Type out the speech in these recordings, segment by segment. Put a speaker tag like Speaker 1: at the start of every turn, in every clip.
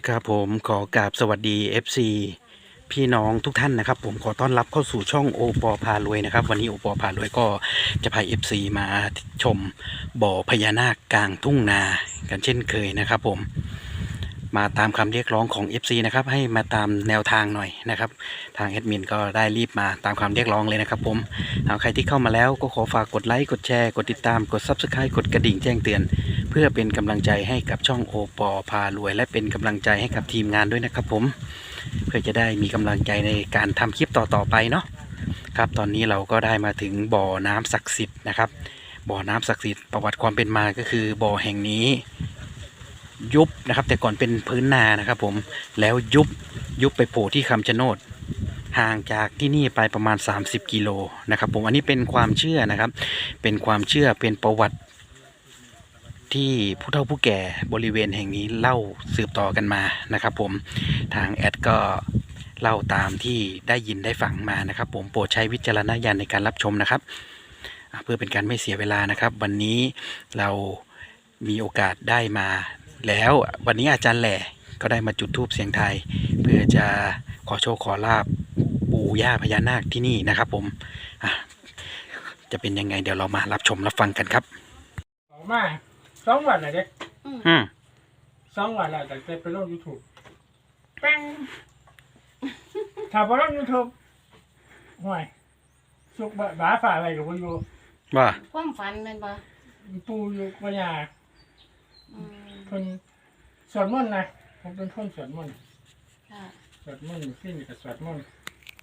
Speaker 1: ครับผมขอกราบสวัสดี FC พี่น้องทุกท่านนะครับผมขอต้อนรับเข้าสู่ช่องโอปอพารวยนะครับวันนี้โอปอพารวยก็จะพา FC มาชมบ่อพญานาคกลางทุ่งนากันเช่นเคยนะครับผมมาตามคำเรียกร้องของ FC นะครับให้มาตามแนวทางหน่อยนะครับทางแอดมินก็ได้รีบมาตามคำเรียกร้องเลยนะครับผมเอาใครที่เข้ามาแล้วก็ขอฝากกดไลค์กดแชร์กดติดตามกด Subscribe กดกระดิ่งแจ้งเตือนเพื่อเป็นกำลังใจให้กับช่องโอปอพารวยและเป็นกำลังใจให้กับทีมงานด้วยนะครับผมเพื่อจะได้มีกำลังใจในการทำคลิปต่อๆไปเนาะครับตอนนี้เราก็ได้มาถึงบ่อน้ำศักดิ์สิทธิ์นะครับบ่อน้ำศักดิ์สิทธิ์ประวัติความเป็นมาก็คือบ่อแห่งนี้ยุบนะครับแต่ก่อนเป็นพื้นนานะครับผมแล้วยุบไปโผล่ที่คำชะโนดห่างจากที่นี่ไปประมาณ30กิโลนะครับผมอันนี้เป็นความเชื่อนะครับเป็นความเชื่อเป็นประวัติที่ผู้เฒ่าผู้แก่บริเวณแห่งนี้เล่าสืบต่อกันมานะครับผมทางแอดก็เล่าตามที่ได้ยินได้ฟังมานะครับผมโปรดใช้วิจารณญาณในการรับชมนะครับเพื่อเป็นการไม่เสียเวลานะครับวันนี้เรามีโอกาสได้มาแล้ววันนี้อาจารย์แหล่ก็ได้มาจุดธูปเสียงไทายเพื่อจะขอโชคขอลาบปู่ย่าพญานาคที่นี่นะครับผมจะเป็นยังไงเดี๋ยวเรามารับชมรับฟังกันครับ
Speaker 2: ออกมา2 วันเลยเด็ก2 วันแล้วแต่ไปลง YouTube แป้งถ้าไปลง YouTube ห่วยสุกบ้าฝ่าอะไรกับคนอยู่
Speaker 1: ว่า
Speaker 3: ความฝันเป็นปะ
Speaker 2: ปูอยู่ปัญญาคนสวดมนต์นะผมเป็นคนสวดมนต์สวดมนต์ขึ้นกับสวดมนต์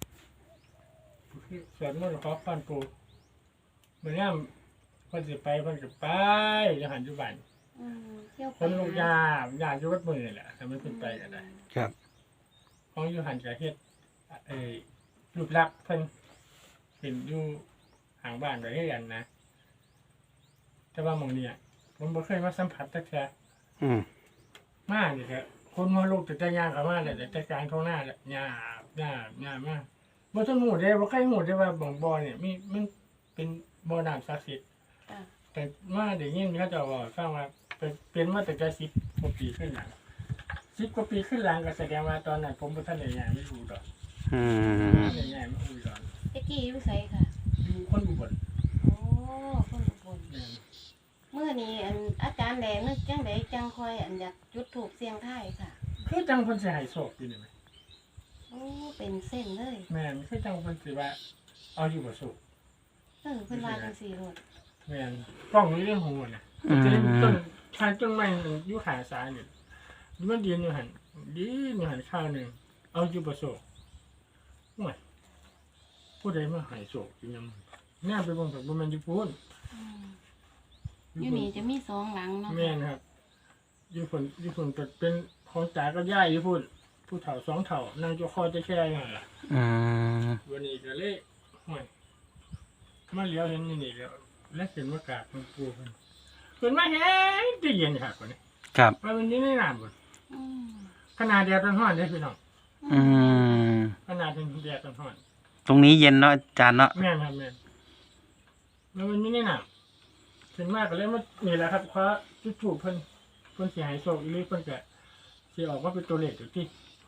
Speaker 2: สวดมนต์ขอพรปูเหมือนงั้นคนสิไปคนจะไปจะหันจุบันคนลูกยาอยู่วัดมือแหละทำไมเพิ่นไปกันได้
Speaker 1: ครับ
Speaker 2: ของอยู่หันกับเฮ็ดรูปลักษณ์เพิ่นเห็นอยู่ห่างบ้านก็เฮ็ดกันนะแต่ว่าหม่องนี้ผมบ่เคยมาสัมผัสจักแท้มานี่แหละคนหัวลูกแต่ย่างเข้ามาแล้วแต่กลางท้องหน้าแหละหญ้ามากบ่ทันฮู้เด้บ่เคยฮู้เด้ว่าบ่อนี่มันเป็นบ่อน้ำศักดิ์สิทธิ์แต่มาได้ยินเขาเจ้าเว้าฟังว่าเป็นมาตั้งแต่10 กว่าปีขึ้นหลัง10 กว่าปีขึ้นหลังก็แสดงว่าตอนนั้นผมบ่ทันได้ย้ายมาอยู่ดอกได้ย้ายมาอยู่ดอก
Speaker 3: ตะกี้อยู่ไสค่ะ
Speaker 2: อยู่คนอุบล
Speaker 3: โอ้คนอุบลเมื่อนี้อาจารย์แหลนึกจังไดจังคอยอยากจุดธูปเสียงทายค่ะ
Speaker 2: คือจังเพิ่นสิให้โชคอยู่นี่แม่
Speaker 3: โอ้เป็นเส้นเลย
Speaker 2: แม่นคือจังเพิ่นสิว่าเอาอยู่บ่โชค
Speaker 3: เพิ่นว่าจังซี่โลด
Speaker 2: แม่นกล้องอยู่ในหูน่ะจะได้ต้นทานต้นไม้อยู่ขาซ้ายนี่มันยืนอยู่หั่นข้าวนึงเอาอยู่บ่โชคโอ้ยผู้ใดมาให้โชคจริงยังแน่ไปเบิ่งบ่แม่นอยู่พูน
Speaker 3: อยู่นี่จะมี2หลังเนาะ
Speaker 2: แม่นครับอยู่พุ่นก็เป็นของตากับยายอยู่พุ่นผู้เฒ่า2เฒ่านั่งอยู่คอจะแค่นั่นล่ะวันนี้ก็เลยโอ้ยมาเลี้ยวเห็นนี่แล้วและเห็นว่ากาดมันปูเพิ่นมาแห้งจะเย็นครับคนนี้
Speaker 1: ครับ
Speaker 2: ว่ามันนี่ในน้ำบ่ขนาดแดดร้อนๆเด้พี่น้องขนาดเป็นแดดร้อน
Speaker 1: ตรงนี้เย็นเนาะอาจารย์เนาะ
Speaker 2: แม่นครับแม่นแล้วมันนี่ในน้ำขึ้นมากก็เลยมานี่แหละครับเพราะจุดถูกเพิ่นสิให้โชคอีหลีเพิ่นก็สิออกมาเป็นตัวเลขอยู่ที่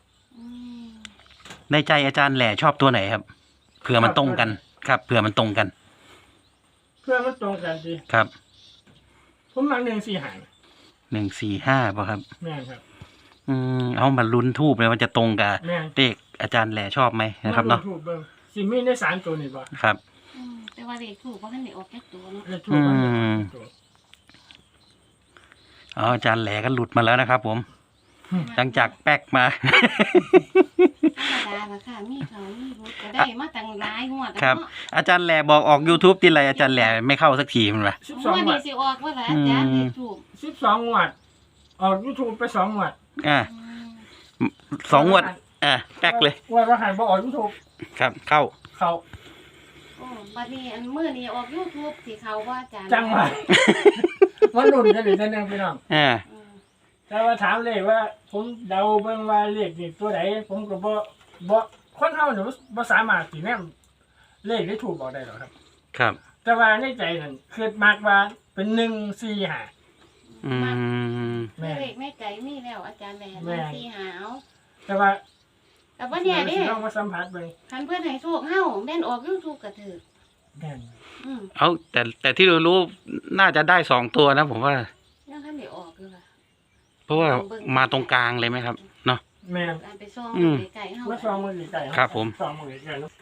Speaker 1: ในใจอาจารย์แหล่ชอบตัวไหนครับเผื่อมันตรงกันครับเผื่อมันตรงกัน
Speaker 2: สิ
Speaker 1: ครับ
Speaker 2: ผมมัก
Speaker 1: 145ป่ะครับ
Speaker 2: แม่นครับ
Speaker 1: เอามาลุ้นทูบเลยว่าจะตรงกับเลขอาจารย์แหล่ชอบไหมนะครับเนาะ
Speaker 2: ทูบเบิ่งสิมีได้3ตัวนี่บ่
Speaker 1: ครับ
Speaker 3: แต่ว่าเลขถูกบ่ทันได้ออกแค่ตัวเนาะ
Speaker 2: เลขทูบมันตัว
Speaker 1: อาจารย์แหล่ก็หลุดมาแล้วนะครับผมหลังจากแป๊กมา
Speaker 3: ธรรมดาล่ะค่ะมีเขามีรุดก็ได้มาตั้งหลายงวด
Speaker 1: ครับอาจารย์แหล่บอกออก YouTube ทีไรอาจารย์แหล่ไม่เข้าสักทีมันว่ะ
Speaker 3: 12งวดสิออกว่าล่ะอาจารย์เลขถูก
Speaker 2: 12งวดออก YouTube ไป2งวด
Speaker 1: 2งวดแป๊กเลย
Speaker 2: ว่าหันบ่ออก YouTube
Speaker 1: ครับเข้า
Speaker 3: โอ้บัดนี้มื้อนี้ออก YouTube สิเข้าบ่อาจารย์
Speaker 2: จังว่ามันลุ้นกันอีกนั่นพี่น้องแต่ว่าถามเลยว่าผมเดาเบิ่งว่าเลขนี่ตัวไหนผมก็บ่คนเฮาเนี่ยบ่สามารถสิแนมเลขได้ถูกบอกได้หรอกครับ
Speaker 1: ครับ
Speaker 2: แต่ว่าในใจนั่นคิดมากว่าเป็น145 แม่
Speaker 3: เลขแม่ไก่มีแล้วอาจารย์แหล่
Speaker 2: แม่
Speaker 3: สี่หาเอา
Speaker 2: แต่ว่า
Speaker 3: แต่ว่าเนี่ยเด้
Speaker 2: ลองมาสัมผัสเบิ่ง
Speaker 3: คันเพื่อนให้โชคเฮาแม่นออก YouTube ก็ถือ
Speaker 2: แม่น
Speaker 1: เอาแต่ที่รู้น่าจะได้2 ตัวนะผมว่า
Speaker 3: ยังคันได้ออกอยู่ล่ะ
Speaker 1: เพราะว่ามาตรงกลางเลยไหมครับเนาะ
Speaker 2: แม่น
Speaker 3: การไปซ่อง
Speaker 1: อืม
Speaker 3: ไก่เฮา
Speaker 2: มาซองมือไก่
Speaker 1: ครับผม
Speaker 2: ซองมือไก่เนาะ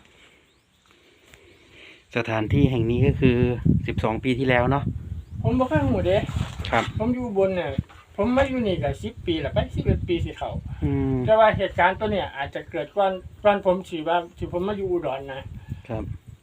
Speaker 1: สถานที่แห่งนี้ก็คือ12 ปีที่แล้วเนาะ
Speaker 2: ผมบ่เคยหูเด้
Speaker 1: ครับ
Speaker 2: ผมอยู่บนเนี่ยผมมาอยู่นี่ก็10 ปีแล้วไป11 ปีสิเข้า
Speaker 1: อืม
Speaker 2: แต่ว่าเหตุการณ์ตัวเนี่ยอาจจะเกิดก่อนผมสิว่าสิผมมาอยู่อุดรนะครับ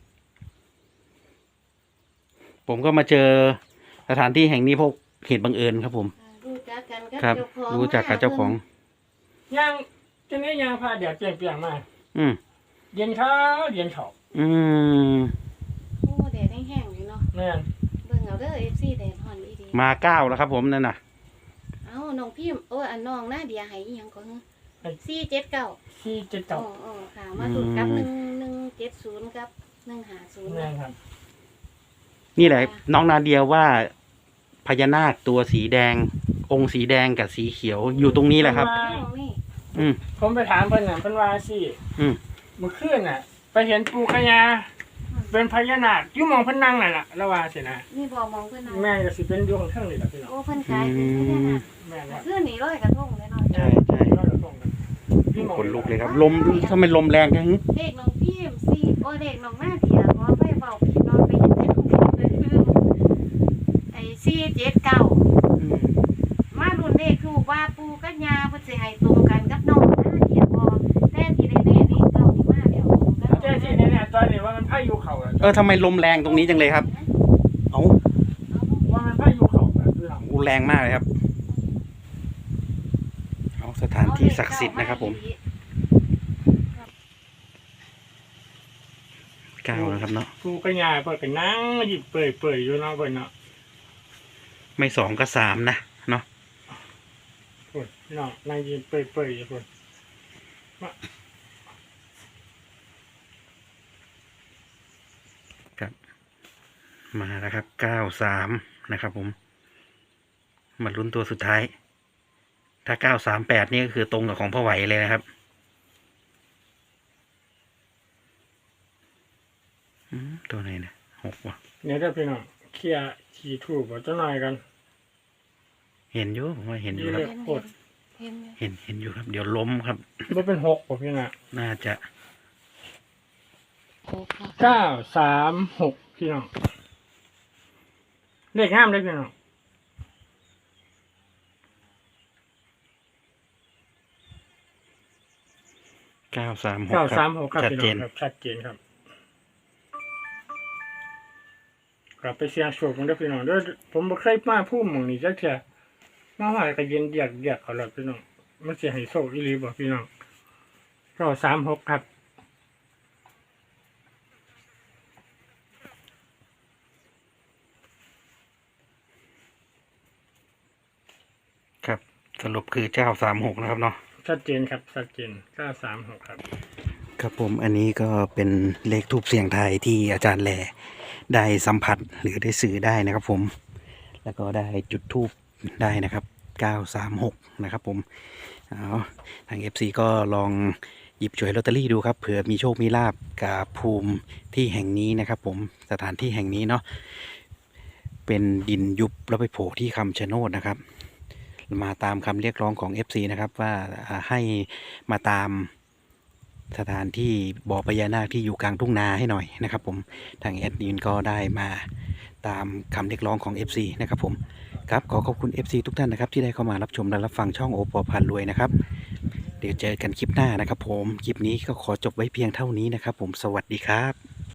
Speaker 1: ผมก็มาเจอสถานที่แห่งนี้เพราะเหตุบังเอิญครับผม
Speaker 3: รู้จักกันกับ
Speaker 1: ครับ
Speaker 3: เจ้าของ
Speaker 1: รู้จักกับเจ้าของ
Speaker 2: ย่างจังได๋ย่างพาแดดเปรี้ยงๆมา
Speaker 1: อืม
Speaker 2: เย็นเขาเย็นเขา
Speaker 1: อืม
Speaker 3: โอ้แดดแห้งๆอยู่เนาะ
Speaker 2: แม่น
Speaker 3: เบิ่งเอาเด้อ FC แดดฮ้อนอีดี
Speaker 1: มา9แล้วครับผมนั่นน่ะ
Speaker 3: เอ้าน้องพิมพ์โอ้อันน้องนาเดียให้อีหยังก่อน479
Speaker 2: ที่เจ็ด
Speaker 3: อ๋
Speaker 2: เก่า
Speaker 3: อค่ะ มาสุดกับ1170กับ150
Speaker 2: แม่นครับ
Speaker 1: นี่แหละน้องนาเดียว่าพญานาคตัวสีแดง องค์สีแดงกับสีเขียวอยู่ตรงนี้แหละครับ
Speaker 3: น้องนี่
Speaker 1: อืม
Speaker 2: ผมไปถามเพิ่นน่ะเพิ่นว่าสิ
Speaker 1: อืม
Speaker 2: เมื่อคืนน่ะ ไปเห็นปู่ขยาเป็นพญานาคอยู่หมองเพิ่นนั่งนั่นล่ะแล้วว่าสินะ
Speaker 3: นี่บ่มองเพิ่นเอา
Speaker 2: แม่ก็สิเป็นอยู่ข้างเทิงนี่ล่ะพี่น้อง
Speaker 3: โอ้เพิ่นขายเป็นพญานาค
Speaker 2: แม่นครับ
Speaker 3: เพื่อนนี่ร้อยกระทงเลยเนาะ
Speaker 1: ใช่ใช่
Speaker 2: เราจะส่งกันอยู่หม้อง
Speaker 1: ขนลุกเลยครับ ลมทำไมลมแรงจัง
Speaker 3: เลขน้องพิมพ์สี่โอ้เลขน้องหน้าเดียขอไปเบาพี่น้องไปเห็นแต่ของผมเลยคือไอ้479มารุ่นเลขถูกว่าปูกับยาเพิ่นสิให้ตรงกันกับน้องหน้าเดียบ่แต่ที่แน่ๆนี่เก้านี่มาแล้วตรงกัน
Speaker 2: แต่ที่แน่ๆตอนนี้ว่ามันพายุเข้าอะ
Speaker 1: ทำไมลมแรงตรงนี้จังเลยครับ เอา
Speaker 2: ว่ามันพายุเข้าอะพี่น้อง
Speaker 1: แรงมากเลยครับ เอาสถานที่ศักดิ์สิทธิ์นะครับผม9แล้วครับเนาะ
Speaker 2: ปู่ขยาเพิ่นก็นั่งหยิบเปื่อยๆอยู่เนาะเพิ่นเนาะ
Speaker 1: ไม่2ก็3นะเนาะ
Speaker 2: พุ่นพี่น้องนั่งหยิบเปื่อยๆอยู่พุ่น
Speaker 1: มาแล้วครับ93นะครับผม มาลุ้นตัวสุดท้าย ถ้า938นี่ก็คือตรงกับของพ่อไหวเลยนะครับตัวไหนนะ6ว่ะ
Speaker 2: เนี่ยเด้อพี่น้องเคลียร์ขี่ถูกบ่จังหน่อยกัน
Speaker 1: เห็นอยู่ผมว่าเห็นอยู่ครับ
Speaker 3: เห็น
Speaker 2: โคตร
Speaker 3: เห็น
Speaker 1: เห็นอยู่ครับ เดี๋ยวล้มครับ
Speaker 2: บ่เป็น6บ่พี่น้อง
Speaker 1: น่าจะ
Speaker 2: 936พี่น้องเลขงามเลยพี่น้อง
Speaker 1: 936
Speaker 2: 936ครับ
Speaker 1: ชัด
Speaker 2: พี่
Speaker 1: เจ
Speaker 2: น้อน งครับชัดเจนครับกลับไปเสียงโชคกันเด้อพี่น้องเด้อผมบ่เคยมาพูดหม่องนี้จักเทื่อมาหอยก็เย็นเดียกเอาล่ะพี่น้องมันสิให้โชคอีหลีบ่พี่น้อง936ครับ
Speaker 1: ครับ สรุปคือ936นะครับเนาะ
Speaker 2: ชัดเจนครับชัดเจน936ครับ
Speaker 1: ครับผมอันนี้ก็เป็นเลขทูปเสียงไทายที่อาจารย์แหล่ได้สัมผัสหรือได้สื่อได้นะครับผม แล้วก็ได้จุดทูปได้นะครับ936นะครับผมเอาทาง FC ก็ลองหยิบฉวยลอตเตอรี่ดูครับเผื่อมีโชคมีลาบกับภูมิที่แห่งนี้นะครับผมสถานที่แห่งนี้เนาะเป็นดินยุบแล้วไปโผล่ที่คำชะโนดนะครับ มาตามคำเรียกร้องของ FC นะครับว่าให้มาตามสถานที่บ่อพญานาคที่อยู่กลางทุ่งนาให้หน่อยนะครับผมทางแอดมินก็ได้มาตามคำเรียกร้องของ FC นะครับผมครับขอขอบคุณ FC ทุกท่านนะครับที่ได้เข้ามารับชมและรับฟังช่องโอปอพันรวยนะครับเดี๋ยวเจอกันคลิปหน้านะครับผมคลิปนี้ก็ขอจบไว้เพียงเท่านี้นะครับผมสวัสดีครับ